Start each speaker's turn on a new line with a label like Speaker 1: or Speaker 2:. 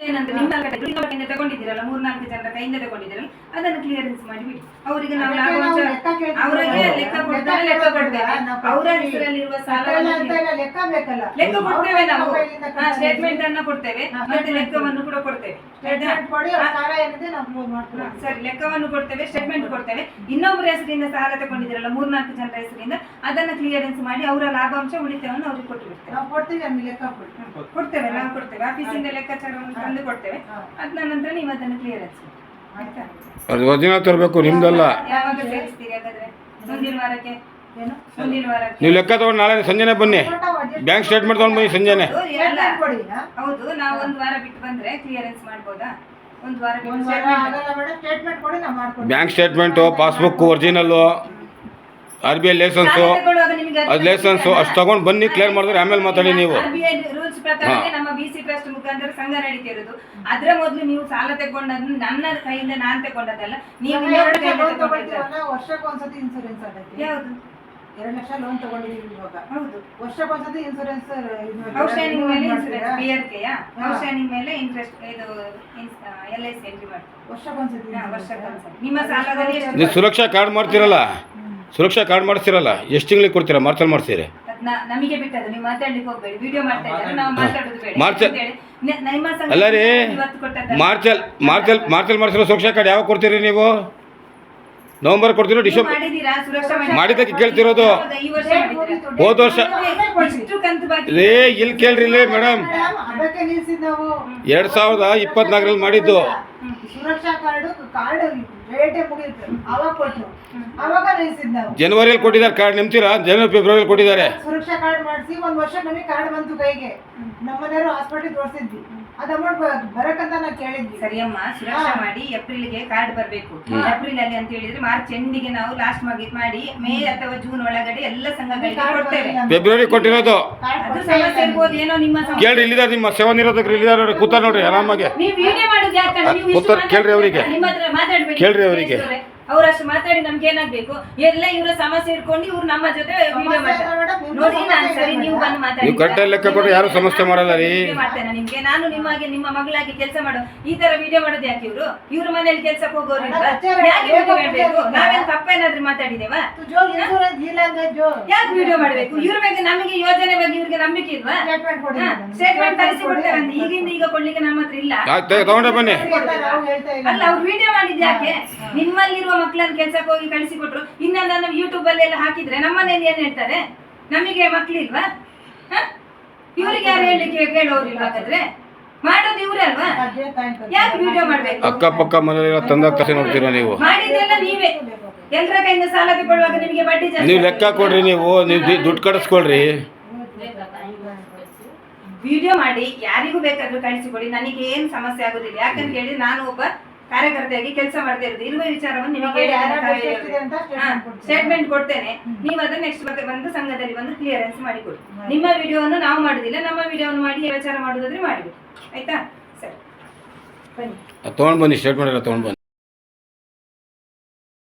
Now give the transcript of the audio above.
Speaker 1: ಏನಂದ್ರೆ ನಿಮ್ಮ ಕೈಯಿಂದ ತಗೊಂಡಿದ್ದೀರಲ್ಲ 3-4 ಜನರ ಕೈಯಿಂದ ತಗೊಂಡಿದ್ದೀರಲ್ಲ ಅದನ್ನು ಕ್ಲಿಯರೆನ್ಸ್ ಮಾಡಿಬಿಡಿ. ಅವರಿಗೆ ನಾವು ಲಾಭಾಂಶ ಅವರಿಗೆ ಲೆಕ್ಕ ಕೊಡ್ತಾರೆ, ಲೆಕ್ಕ ಕೊಡ್ತೇವೆ. ಅವರ ಹೆಸರಲ್ಲಿರುವ ಸಾಲವನ್ನು ಲೆಕ್ಕ ಕೊಡ್ತೇವೆ ನಾವು. ಸ್ಟೇಟ್ಮೆಂಟ್ ಅನ್ನ ಕೊಡ್ತೇವೆ ಮತ್ತೆ ಲೆಕ್ಕವನ್ನು ಕೂಡ ಕೊಡ್ತೇವೆ. ಸರಿ, ಲೆಕ್ಕವನ್ನು ಕೊಡ್ತೇವೆ, ಸ್ಟೇಟ್ಮೆಂಟ್ ಕೊಡ್ತೇವೆ. ಇನ್ನೊಬ್ಬರ ಹೆಸರಿಂದ ಸಾಲ ತಗೊಂಡಿದ್ದೀರಲ್ಲ 3-4 ಜನರ ಹೆಸರಿಂದ ಅದನ್ನ ಕ್ಲಿಯರೆನ್ಸ್ ಮಾಡಿ ಅವರ ಲಾಭಾಂಶ ಉಳಿತಾಯವನ್ನು ಅವ್ರಿಗೆ ಕೊಟ್ಟುಬಿಡ್ತೇವೆ. ಕೊಡ್ತೇವೆ, ನಾವು ಕೊಡ್ತೇವೆ. ಆಫೀಸಿಂದ ಲೆಕ್ಕಾಚಾರವನ್ನು ತಂದು ಕೊಡ್ತೇವೆ. ಅದ ನಂತರ ನೀವು ಅದನ್ನು ಕ್ಲಿಯರೆನ್ಸ್ ಆಯ್ತಾ?
Speaker 2: ಅದು ಒರಿಜಿನಲ್ ತರಬೇಕು, ನಿಮ್ದಲ್ಲ.
Speaker 1: ಯಾವಾಗ ಸೇರಿಸ್ತೀರಿ ಹಾಗಾದ್ರೆ? ಮುಂದಿನ ವಾರಕ್ಕೆ
Speaker 2: ನೀವು ಲೆಕ್ಕ ತಗೊಂಡು ನಾಳೆ ಸಂಜೆನೆ ಬನ್ನಿ, ಬ್ಯಾಂಕ್ ಸ್ಟೇಟ್ಮೆಂಟ್ ತಗೊಂಡು ಬನ್ನಿ ಸಂಜೆನೆ.
Speaker 1: ಹೌದು, ನಾವು ಒಂದು ವಾರ ಬಿಟ್ಟು ಬಂದ್ರೆ ಕ್ಲಿಯರೆನ್ಸ್ ಮಾಡ್ಬೋದಾ? ಒಂದು ವಾರ
Speaker 2: bank statement, passbook original, RBI licence, ಅದು ಲೈಸೆನ್ಸು ಅಷ್ಟು ತಗೊಂಡು ಬನ್ನಿ. ಕ್ಲಿಯರ್ ಮಾಡಿದ್ರೆ ಆಮೇಲೆ ಮಾತಾಡಿ ನೀವು.
Speaker 1: RBI ರೂಲ್ಸ್ ಪ್ರಕಾರ ನಮ್ಮ BC ಟ್ರಸ್ಟ್ ಮುಖಾಂತರ ಸಂಘ ನಡೀತಿರೋದು. ಅದ್ರ ಮೊದಲು ನೀವು ಸಾಲ ತಗೊಂಡದ್ದು ನನ್ನ ಕೈಯಿಂದ ನಾನು ತಗೊಂಡದಲ್ಲ, ನೀವು
Speaker 3: ವರ್ಷಕ್ಕೊಂದ್ಸತಿ ಇನ್ಸೂರೆನ್ಸ್ ಆಗುತ್ತೆ.
Speaker 1: ಯಾವುದು?
Speaker 3: 2 ಲಕ್ಷ ಲೋನ್ ತಗೊಂಡಿದ್ದೀವಿ ಇವಾಗ.
Speaker 1: ಹೌದು,
Speaker 3: ವರ್ಷಕ್ಕೊಂದ್ಸತಿ ಇನ್ಸೂರೆನ್ಸ್.
Speaker 1: ಔಟ್ಸ್ಟ್ಯಾಂಡಿಂಗ್ ಮೇಲೆ ಇನ್ಸೂರೆನ್ಸ್, BRK ಔಟ್ಸ್ಟ್ಯಾಂಡಿಂಗ್ ಮೇಲೆ ಇಂಟ್ರೆಸ್ಟ್ ಇದು LIC ಎಂಟ್ರಿ ಮಾಡಿ ವರ್ಷಕ್ಕೊಂದ್ಸತಿ. ನಿಮ್ಮ ಸಾಲದಲ್ಲಿ
Speaker 2: ನೀವು ಸುರಕ್ಷಾ ಕಾರ್ಡ್ ಮಾಡ್ತೀರಲ್ಲ, ಸುರಕ್ಷಾ ಕಾರ್ಡ್ ಮಾಡಿಸ್ತೀರಲ್ಲ, ಎಷ್ಟು ತಿಂಗಳಿಗೆ ಕೊಡ್ತೀರಾ? ಮಾರ್ಚಲ್ಲಿ ಮಾಡಿಸ್ತೀರಿ?
Speaker 1: ನಮಗೆ ಬಿಟ್ಟದ್ದು, ನೀವು ಮಾತಾಡ್ಲಿಕ್ಕೆ ಹೋಗ್ಬೇಡಿ. ವಿಡಿಯೋ ಮಾಡ್ತಾ ಇದ್ದಾರೆ, ನಾವು ಮಾತಾಡೋದು ಬೇಡ.
Speaker 2: ಅಲ್ಲ ರೀ, ಮಾರ್ಚಲ್ಲಿ ಮಾಡಿಸಿರೋ ಸುರಕ್ಷಾ ಕಾರ್ಡ್ ಯಾವಾಗ ಕೊಡ್ತೀರಿ ನೀವು? ನವೆಂಬರ್ ಕೊಡ್ತೀರೋ ಡಿಸೆಂಬರ್? ಮಾಡಿದ್ದಕ್ಕೆ ಕೇಳ್ತಿರೋದು. ಹೋದ ವರ್ಷ ರೇ ಇಲ್ಲಿ ಕೇಳ್ರಿ ಇಲ್ಲಿ ಮೇಡಮ್, 2024ರಲ್ಲಿ ಮಾಡಿದ್ದು
Speaker 3: ಸುರಕ್ಷಾ ಕಾರ್ಡ್ ರೇಟೇ ಮುಗಿತು, ಅವಾಗ ಕೊಟ್ಟರು, ಅವಾಗ ನಿಲ್ಸಿದ್ ನಾವು.
Speaker 2: ಜನವರಿಯಲ್ಲಿ ಕೊಟ್ಟಿದ್ದಾರೆ ಕಾರ್ಡ್, ನಿಮ್ತೀರಾ? ಜನವರಿ ಫೆಬ್ರವರಿ ಕೊಟ್ಟಿದ್ದಾರೆ.
Speaker 3: ಸುರಕ್ಷಾ ಕಾರ್ಡ್ ಮಾಡಿಸಿ 1 ವರ್ಷ ನಮಗೆ ಕಾರ್ಡ್ ಬಂತು ಕೈಗೆ. ನಮ್ಮನೆಯವರು ಹಾಸ್ಪಿಟಲ್ ತೋರಿಸಿದ್ವಿ, ಅದು ಅಮೌಂಟ್ ಬರಕಂತ ನಾವು ಕೇಳಿದ್ವಿ.
Speaker 1: ಸರಿಯಮ್ಮ, ಸುರಕ್ಷಾ ಮಾಡಿ ಏಪ್ರಿಲ್ಗೆ ಕಾರ್ಡ್ ಬರಬೇಕು. ಏಪ್ರಿಲ್ ಅಲ್ಲಿ ಅಂತ ಹೇಳಿದ್ರೆ ಮಾರ್ಚ್ ಎಂಡಿಗೆ ನಾವು ಲಾಸ್ಟ್ ಮಾಡಿ ಮೇ ಅಥವಾ ಜೂನ್ ಒಳಗಡೆ ಎಲ್ಲ ಸಂಘಗಳಿಗೆ ಕೊಡ್ತೇವೆ.
Speaker 2: ಫೆಬ್ರವರಿ ಕೊಟ್ಟಿರೋದು.
Speaker 1: ಅದು ಸಮಸ್ಯೆ ಇರ್ಬೋದು ಏನೋ ನಿಮ್ಮ.
Speaker 2: ಕೇಳ್ರಿ, ಇಲ್ಲಿದ್ದಾರೆ ನಿಮ್ಮ ಸೇವಾ ನಿರೋಧಕರು ಇಲ್ಲಿದ್ದಾರೆ ನೋಡಿ, ಕೂತಾರ ನೋಡ್ರಿ ಆರಾಮಾಗಿ.
Speaker 1: ನೀವು ವಿಡಿಯೋ ಮಾಡೋದು ಯಾಕಂದ್ರೆ ನೀವು
Speaker 2: ಕೂತಾರ, ಕೇಳ್ರಿ ಅವರಿಗೆ,
Speaker 1: ನಿಮ್ಮ ಹತ್ರ ಮಾತಾಡ್ಬೇಡಿ.
Speaker 2: ಕೇಳ್ರಿ ಅವರಿಗೆ.
Speaker 1: ಅವರಷ್ಟು ಮಾತಾಡಿ ನಮ್ಗೆ ಏನಾಗ್ಬೇಕು? ಎಲ್ಲ ಇವರ ಸಮಸ್ಯೆ ಇಟ್ಕೊಂಡು ಇವ್ರು ನಮ್ಮ ಜೊತೆ ವಿಡಿಯೋ ಮಾಡ್ತಾರೆ ನೋಡಿ. ನಾನು ಸರಿ, ನೀವು ಬಂದು ಮಾತಾಡಿ.
Speaker 2: ನೀವು ಕರೆಕ್ಟ್ ಲೆಕ್ಕ ಕೊಟ್ಟರೆ ಯಾರು ಸಮಸ್ಯೆ ಮಾಡಲ್ಲ ರೀ.
Speaker 1: ಮಾಡ್ತೇನೆ ನಿಮ್ಗೆ. ನಾನು ನಿಮಗೆ ನಿಮ್ಮ ಮಗಳಾಗಿ ಕೆಲಸ ಮಾಡೋ ಈ ತರ ವಿಡಿಯೋ ಮಾಡೋದು ಯಾಕೆ? ಇವ್ರ ಮನೇಲಿ ಕೆಲ್ಸಕ್ಕೆ ಹೋಗೋರು ಯಾಕೆ ವಿಡಿಯೋ ಮಾಡ್ಬೇಕು? ನಾವೇನ್ ತಪ್ಪೇನಾದ್ರೂ ಮಾತಾಡಿದೇವಾ? ಯಾಕೆ ವಿಡಿಯೋ ಮಾಡ್ಬೇಕು? ಇವ್ರ ಬಗ್ಗೆ ನಮಗೆ ಯೋಜನೆ ಬಗ್ಗೆ ಇವ್ರಿಗೆ ನಂಬಿಕೆ ಇಲ್ವಾ? ಸ್ಟೇಟ್ಮೆಂಟ್ ತರಿಸಿ ಕೊಡ್ತೇವೆ ಅಂತ ಈಗಿಂದ ಈಗ ಕೊಡ್ಲಿಕ್ಕೆ ನಮ್ಮ ಹತ್ರ ಇಲ್ಲ.
Speaker 2: ತಗೊಂಡೆ ಬನ್ನಿ.
Speaker 1: ಅಲ್ಲ, ಅವ್ರು ವಿಡಿಯೋ ಮಾಡಿದ್ ಯಾಕೆ? ನಿಮ್ಮಲ್ಲಿರುವ ಮಕ್ಕಳನ್ನ ಕೆಲ್ಸಕ್ಕೆ ಹೋಗಿ ಕಳಿಸಿಕೊಟ್ರು. ಇನ್ನ ನಾನು ಯೂಟ್ಯೂಬ್ ಅಲ್ಲಿ ಎಲ್ಲ ಹಾಕಿದ್ರೆ ನಮ್ಮನೇಲಿ ಏನ್ ಹೇಳ್ತಾರೆ? ನಮಗೆ ಮಕ್ಳಿಲ್ವಾ? ಇವ್ರಿಗೆ ಯಾರು ಹೇಳಲಿಕ್ಕೆ ಕೇಳೋರಿಲ್ವಾ? ಹಾಗಾದ್ರೆ ಮಾಡೋದು ಇವ್ರೆ ಅಲ್ವಾ? ಯಾಕೆ ವಿಡಿಯೋ ಮಾಡ್ಬೇಕು?
Speaker 2: ಅಕ್ಕಪಕ್ಕ ಮನೆಯಲ್ಲ ತಂದಾಗ ತಕ್ಷಣ ನೋಡ್ತೀರಾ ನೀವು?
Speaker 1: ಮಾಡಿದ್ದೆಲ್ಲ ನೀವೇ. ಎಲ್ಲರ ಕೈಯಿಂದ ಸಾಲ ತಗೊಳ್ಳುವಾಗ ನಿಮಗೆ ಬಡ್ಡಿ ಜಾಸ್ತಿ.
Speaker 2: ನೀವು ಲೆಕ್ಕ ಕೊಡ್ರಿ, ನೀವು ದುಡ್ಡು ಕಡಿಸ್ಕೊಳ್ರಿ.
Speaker 1: ವಿಡಿಯೋ ಮಾಡಿ ಯಾರಿಗೂ ಬೇಕಾದ್ರೂ ಕಳಿಸಿಕೊಡಿ, ನನಗೆ ಏನ್ ಸಮಸ್ಯೆ ಆಗುದಿಲ್ಲ. ಯಾಕಂತ ಹೇಳಿ ನಾನು ಒಬ್ಬ ಕಾರ್ಯಕರ್ತೆಯಾಗಿ ಕೆಲಸ ಮಾಡದೇ ಇರೋದು. ಇರುವ ವಿಚಾರವನ್ನು ನಿಮಗೆ ಸ್ಟೇಟ್ಮೆಂಟ್ ಕೊಡ್ತೇನೆ. ನೀವು ಅದನ್ನ ನೆಕ್ಸ್ಟ್ ಬಗ್ಗೆ ಬಂದು ಸಂಘದಲ್ಲಿ ಬಂದು ಕ್ಲಿಯರೆನ್ಸ್ ಮಾಡಿಕೊಡಿ. ನಿಮ್ಮ ವಿಡಿಯೋವನ್ನು ನಾವು ಮಾಡುದಿಲ್ಲ, ನಮ್ಮ ವಿಡಿಯೋವನ್ನು ಮಾಡಿ ವಿಚಾರ ಮಾಡುದಾದ್ರೆ ಮಾಡಿಬಿಡಿ. ಆಯ್ತಾ? ಸರಿ, ಬನ್ನಿ.
Speaker 2: ತಗೊಂಡು ಬನ್ನಿ, ಸ್ಟೇಟ್ಮೆಂಟ್ ಎಲ್ಲ ತಗೊಂಡು ಬನ್ನಿ.